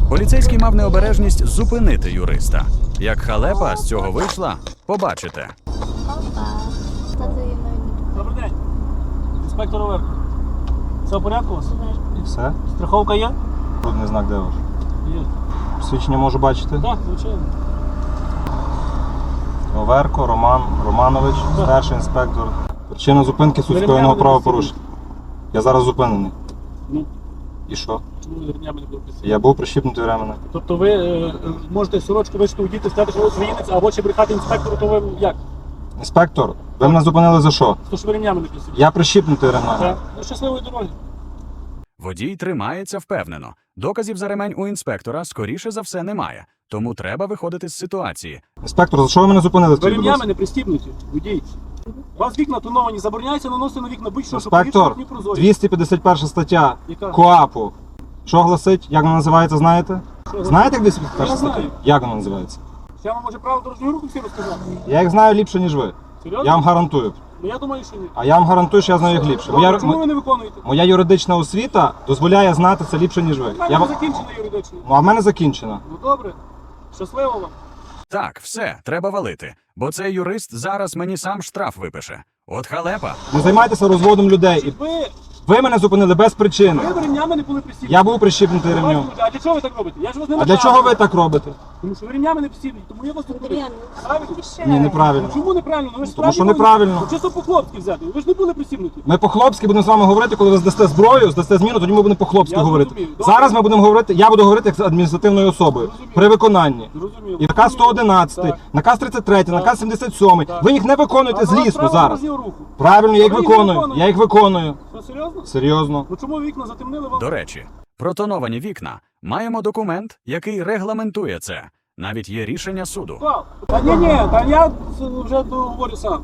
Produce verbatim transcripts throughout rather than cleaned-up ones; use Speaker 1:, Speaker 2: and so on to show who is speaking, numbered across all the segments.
Speaker 1: Поліцейський мав необережність зупинити юриста. Як халепа з цього вийшла, побачите.
Speaker 2: Добрий день. Інспектор Оверко. Все в порядку у вас?
Speaker 3: І все?
Speaker 2: Страховка є?
Speaker 3: Трудний знак де ваш?
Speaker 2: Є.
Speaker 3: Посвідчення можу бачити?
Speaker 2: Так, звичайно.
Speaker 3: Оверко Роман Романович,
Speaker 2: Так.
Speaker 3: старший інспектор. Причина зупинки суть
Speaker 2: Ремнями
Speaker 3: скоєного
Speaker 2: не
Speaker 3: правопорушення. Я зараз зупинений.
Speaker 2: Ну,
Speaker 3: І що?
Speaker 2: чому ви ремнями не були присутні?
Speaker 3: Я був прищіпнутий ременем.
Speaker 2: Тобто ви е, можете сорочку вишити у діти, сказати, що ви українець, або ще брехати інспектору, то ви як?
Speaker 3: Інспектор, ви мене зупинили за що?
Speaker 2: То що ви ремнями не присутні?
Speaker 3: Я прищіпнутий ременем.
Speaker 2: Так. Ну, щасливої дороги.
Speaker 1: Водій тримається впевнено. Доказів за ремень у інспектора, скоріше за все, немає. Тому треба виходити з ситуації.
Speaker 3: Інспектор, за що ви мене зупинили?
Speaker 2: Ви
Speaker 3: скажіть, будь
Speaker 2: ремнями
Speaker 3: ласка?
Speaker 2: не пристібнуті, водій. У вас вікна тоновані, забороняється наносити на вікна будь-що, щоб
Speaker 3: Інспектор,
Speaker 2: повітря не прозорі.
Speaker 3: двісті п'ятдесят перша стаття
Speaker 2: Яка?
Speaker 3: КоАПу. Що гласить? Як вона називається, знаєте?
Speaker 2: Що,
Speaker 3: Знаєте, як двісті п'ятдесят перша
Speaker 2: Я
Speaker 3: стаття?
Speaker 2: знаю.
Speaker 3: Як вона називається?
Speaker 2: Я вам може право дорожнього руху всі розказати?
Speaker 3: Я їх знаю ліпше, ніж ви.
Speaker 2: Серйозно?
Speaker 3: Я вам гарантую.
Speaker 2: Ну я думаю, що ні.
Speaker 3: А я вам гарантую, що я знаю їх ліпше. Моя,
Speaker 2: Добре, чому ви не виконуєте?
Speaker 3: моя юридична освіта дозволяє знати це ліпше, ніж ви.
Speaker 2: У мене
Speaker 3: Я...
Speaker 2: не
Speaker 3: вам-
Speaker 2: закінчена юридично.
Speaker 3: Ну, а в мене закінчена.
Speaker 2: Ну добре. Щасливо вам.
Speaker 1: Так, все, треба валити. Бо цей юрист зараз мені сам штраф випише. От халепа.
Speaker 3: Не займайтеся розводом людей. І
Speaker 2: Ви,
Speaker 3: ви мене зупинили без причини.
Speaker 2: ви ремнями не були пристібні.
Speaker 3: Я був прищіпнутий ремнем.
Speaker 2: А для чого ви так робите? Я ж вас не
Speaker 3: А для
Speaker 2: наказую.
Speaker 3: чого ви так робите?
Speaker 2: Тому що ви ремнями не пристібні, тому я вас тут перед. Правильно?
Speaker 3: Ні, неправильно.
Speaker 2: Ну, чому неправильно? Ну, ви ж
Speaker 3: Тому що
Speaker 2: справді
Speaker 3: неправильно.
Speaker 2: були- Ну, чисто по-хлопськи взяти. Ви ж не були пристібнуті.
Speaker 3: Ми по-хлопськи будемо з вами говорити, коли ви здасте зброю, здасте зміну, тоді ми будемо по-хлопськи
Speaker 2: Я
Speaker 3: говорити.
Speaker 2: зрозумів. Добре.
Speaker 3: Зараз ми будемо говорити, я буду говорити як з адміністративною особою
Speaker 2: Зрозумів.
Speaker 3: при виконанні.
Speaker 2: Зрозуміло.
Speaker 3: І наказ сто одинадцять,
Speaker 2: Так.
Speaker 3: наказ тридцять три, наказ сімдесят сім.
Speaker 2: Так.
Speaker 3: Ви їх не виконуєте
Speaker 2: А у вас
Speaker 3: злісно
Speaker 2: право
Speaker 3: зараз.
Speaker 2: дорожнього руху.
Speaker 3: Правильно, я їх
Speaker 2: А ви їх
Speaker 3: виконую.
Speaker 2: виконуєте.
Speaker 3: Я їх виконую.
Speaker 2: Що, серйозно?
Speaker 3: Серйозно.
Speaker 2: Ну чому вікна затемнили вам?
Speaker 1: До речі, про тоновані вікна маємо документ, який регламентує це. Навіть є рішення суду.
Speaker 2: Клав. Та ні, ні, та я це вже говорю сам.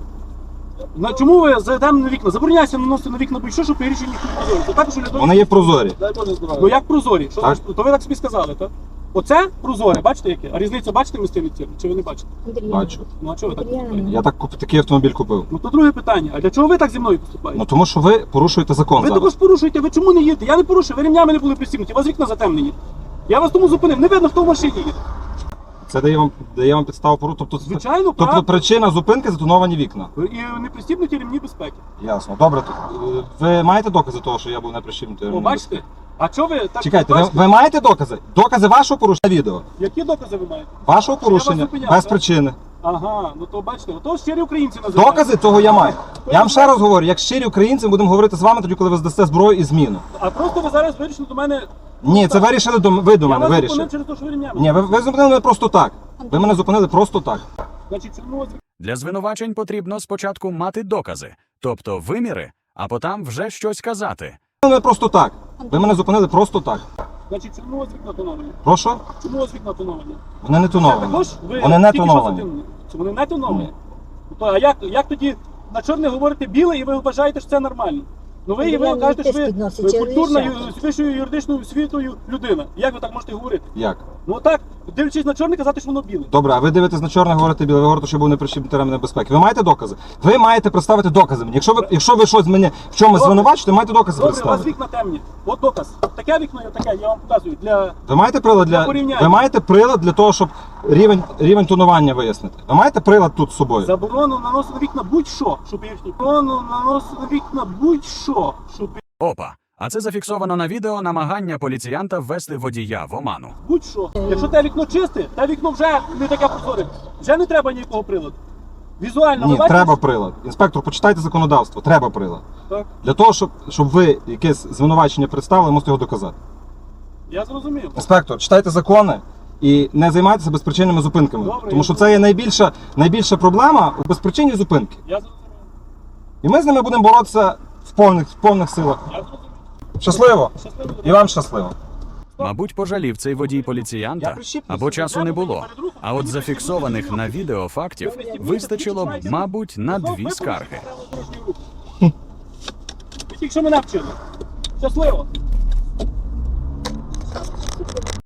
Speaker 2: На чому ви зайдемо на вікна? Забороняється наносити на вікна будь-що, щоб рішення їх не прозорі. Це також для того,
Speaker 3: Вони є прозорі.
Speaker 2: Дай Боже здоров'я. Ну як прозорі? Що
Speaker 3: Так.
Speaker 2: значить? То ви так собі сказали, так? Оце прозоре, бачите яке? А різницю бачите між тим і цим? Чи ви не бачите?
Speaker 3: Бачу.
Speaker 2: Ну а чого ви так поступаєте?
Speaker 3: Я так куп- такий автомобіль купив.
Speaker 2: Ну то друге питання. А для чого ви так зі мною поступаєте?
Speaker 3: Ну тому що ви порушуєте закон
Speaker 2: Ви
Speaker 3: зараз.
Speaker 2: також порушуєте, ви чому не їдете? Я не порушую, ви ремнями не були пристібнуті, у вас вікна затемнені. Я вас тому зупинив, не видно, хто в машині їде.
Speaker 3: Це дає вам дає вам підставу порушити. Тобто,
Speaker 2: Звичайно,
Speaker 3: тобто
Speaker 2: правда.
Speaker 3: причина зупинки затоновані вікна.
Speaker 2: І не пристібнуті ремні безпеки.
Speaker 3: Ясно. Добре. то, е, Ви маєте докази того, що я був не прищіпнутий?
Speaker 2: О,
Speaker 3: ремнем
Speaker 2: бачите?
Speaker 3: безпеки?
Speaker 2: А чого ви так?
Speaker 3: Чекайте, ви,
Speaker 2: бачите?
Speaker 3: ви маєте докази? Докази вашого порушення відео?
Speaker 2: Які докази ви маєте?
Speaker 3: Вашого
Speaker 2: Що я вас
Speaker 3: порушення
Speaker 2: зупиняв,
Speaker 3: без
Speaker 2: так?
Speaker 3: причини.
Speaker 2: Ага, ну то бачите, ото щирі українці називають.
Speaker 3: Докази того я маю. Я вам ще раз говорю, як щирі українці, ми будемо говорити з вами тоді, коли ви здасте зброю і зміну.
Speaker 2: А просто ви зараз вирішили до мене...
Speaker 3: Ні, це вирішили до ви до
Speaker 2: Я
Speaker 3: мене.
Speaker 2: вас
Speaker 3: Вирішили.
Speaker 2: зупинив через те, що ви ремнями.
Speaker 3: Ні, ви, ви зупинили мене просто так. Ви мене зупинили просто так.
Speaker 2: Значить, чому вас...
Speaker 1: Для звинувачень потрібно спочатку мати докази, тобто виміри, а потім вже щось казати.
Speaker 3: Ви мене просто так. Ви мене зупинили просто так.
Speaker 2: Значить, чому у вас вікна тоновані?
Speaker 3: Прошу?
Speaker 2: Чому у вас вікна тоновані?
Speaker 3: Вони не тоновані.
Speaker 2: Також ви
Speaker 3: Вони не
Speaker 2: тільки що
Speaker 3: тоновані.
Speaker 2: затемнені? Чи вони не тоновані?
Speaker 3: Ні.
Speaker 2: Ну, то, а як, як тоді на чорне говорите біле і ви вважаєте, що це нормально? Ну ви, і ви
Speaker 4: Андрій,
Speaker 2: кажете, що ви,
Speaker 4: теж підносить
Speaker 2: ви
Speaker 4: через
Speaker 2: культурна,
Speaker 4: шапку.
Speaker 2: ю- з вищою юридичною освітою людина. Як ви так можете говорити?
Speaker 3: Як?
Speaker 2: Ну так, дивлячись на чорне, казати, що воно біле.
Speaker 3: Добре, а ви дивитесь на чорне, говорите біле, ви говорите, що був неприщіпнутий ремень безпеки. Ви маєте докази? Ви маєте представити докази мені. Якщо ви, якщо ви щось мене в чомусь
Speaker 2: Добре.
Speaker 3: звинувачите, маєте докази
Speaker 2: Добре, у вас
Speaker 3: представити.
Speaker 2: вікна темні. От доказ. Таке вікно і таке, я вам показую. Для...
Speaker 3: Ви маєте прилад
Speaker 2: Для
Speaker 3: для
Speaker 2: порівняння.
Speaker 3: ви маєте прилад для того, щоб рівень рівень тонування вияснити. Ви маєте прилад тут з собою?
Speaker 2: Заборону наносити на вікна будь-що, щоб їхні. Заборону наносити на вікна будь-що, щоб
Speaker 1: Опа! А це зафіксовано на відео намагання поліціянта ввести водія в оману.
Speaker 2: будь-що. Якщо те вікно чисте, те вікно вже не таке прозоре. Вже не треба ніякого приладу. Візуально,
Speaker 3: Ні,
Speaker 2: ви бачите?
Speaker 3: треба прилад. Інспектор, почитайте законодавство. Треба прилад.
Speaker 2: Так,
Speaker 3: Для того, щоб, щоб ви якесь звинувачення представили, можете його доказати.
Speaker 2: я зрозумів.
Speaker 3: Інспектор, читайте закони і не займайтеся безпричинними зупинками.
Speaker 2: Добре,
Speaker 3: Тому
Speaker 2: я
Speaker 3: що це є найбільша, найбільша проблема у безпричинній зупинки.
Speaker 2: Я зрозумів.
Speaker 3: І ми з ними будемо боротися в повних, в повних силах.
Speaker 2: Я зрозумів.
Speaker 3: Щасливо!
Speaker 2: Щасливо.
Speaker 3: І вам щасливо!
Speaker 1: Мабуть, пожалів цей водій поліціянта, або часу не було. А от зафіксованих на відео фактів вистачило б, мабуть, на дві скарги.
Speaker 2: Ви тільки що мене вчили. Щасливо.